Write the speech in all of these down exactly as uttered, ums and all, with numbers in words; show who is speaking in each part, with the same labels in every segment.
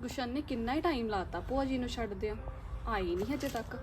Speaker 1: ਗੁਸ਼ਨ ਨੇ ਕਿੰਨਾ ਹੀ ਟਾਈਮ ਲਾਤਾ ਭੂਆ ਜੀ ਨੂੰ ਛੱਡ ਦਿਆ, ਆਈ ਨਹੀਂ ਹਜੇ ਤੱਕ।